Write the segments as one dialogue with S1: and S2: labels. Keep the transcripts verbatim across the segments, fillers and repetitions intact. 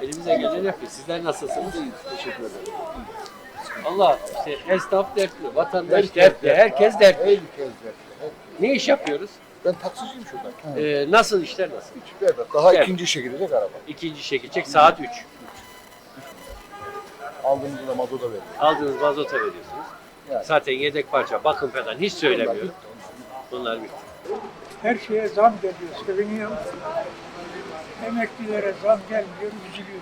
S1: Elimize geleni yapıyoruz. Sizler nasılsınız?
S2: Teşekkür ederim.
S1: Allah işte esnaf dertli, vatandaş
S2: Herkes
S1: dertli,
S2: dertli.
S1: herkes dertli.
S2: Herkes dertli.
S1: Ne iş yapıyoruz?
S2: Ben taksiciyim şurada.
S1: Ee, nasıl işler nasıl?
S2: Hiç berbat. Daha
S1: Evet.
S2: ikinci işe gidecek araba.
S1: İkinci işe gidecek saat üç.
S2: Aldığımızda da mazota veriyor.
S1: Aldığınız mazota veriyorsunuz.
S2: Yani.
S1: Zaten yedek parça, bakım falan hiç söylemiyorum. Bunlar bitti.
S3: Her şeye zam geliyor, seviniyor. Emeklilere zam gelmiyor, üzülüyor.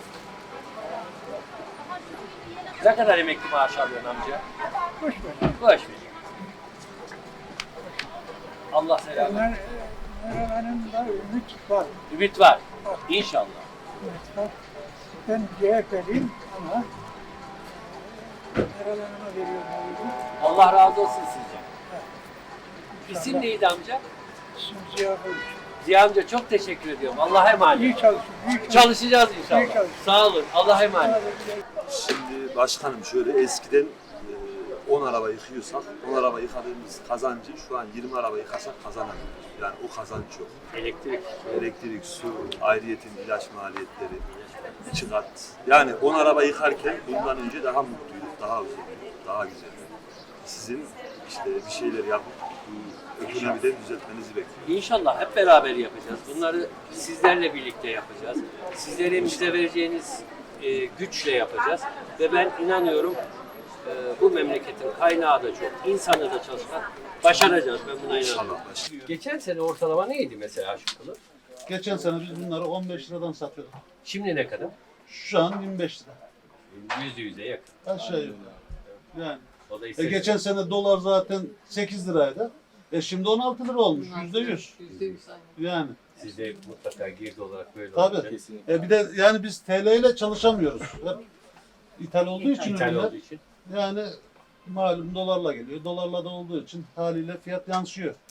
S1: Ne kadar emekli maaş alıyorsun amca?
S3: Boş ver.
S1: Boş ver. Allah selam.
S3: Onlar, Meral da ümit var.
S1: Ümit var. İnşallah.
S3: Ümit var. Ben C H P'liyim ama Meral Hanım'a veriyorum oyunu.
S1: Allah razı olsun sizce. İsim neydi amca?
S3: İsim Ziya Koyuş.
S1: Ziya amca çok teşekkür ediyorum. Allah'a emanet.
S3: İyi çalışın, iyi çalışın.
S1: Çalışacağız
S3: İyi
S1: inşallah.
S3: çalışın.
S1: Sağ olun. Allah'a emanet.
S4: Şimdi başkanım şöyle eskiden e, on araba yıkıyorsak on araba yıkadığımız kazancı şu an yirmi araba yıkasak kazanamıyoruz. Yani o kazanç yok.
S1: Elektrik.
S4: Elektrik, su, ayrıyetin ilaç maliyetleri, iki kat. Yani on araba yıkarken bundan önce daha mutluyduk, daha huzurluyduk, daha güzel. Sizin işte bir şeyler yapıp bu ekonomiden düzeltmenizi bekliyorum.
S1: İnşallah hep beraber yapacağız. Bunları sizlerle birlikte yapacağız. Sizlerin bize vereceğiniz e, güçle yapacağız. Ve ben inanıyorum e, bu memleketin kaynağı da çok, insanı da çalışkan. Başaracağız. Ben buna inanıyorum.
S4: İnşallah başkanım.
S1: Geçen sene ortalama neydi mesela aşkılı?
S5: Geçen sene biz bunları on beş liradan satıyorduk.
S1: Şimdi ne kadar?
S5: Şu an yirmi beş lira.
S1: Yüzde yüze yakın.
S5: Aşağı yukarı. Yani.
S1: O da
S5: E
S1: ister.
S5: geçen sene dolar zaten sekiz liraydı. E şimdi on altı lira olmuş. Yüzde yüz. Yani.
S1: Siz de mutlaka girdi olarak böyle
S5: Tabii.
S1: olacak.
S5: E bir de yani biz T L ile çalışamıyoruz. Hep ithal olduğu için
S1: İthal
S5: ürünler.
S1: olduğu için.
S5: Yani malum dolarla geliyor. Dolarla da olduğu için haliyle fiyat yansıyor.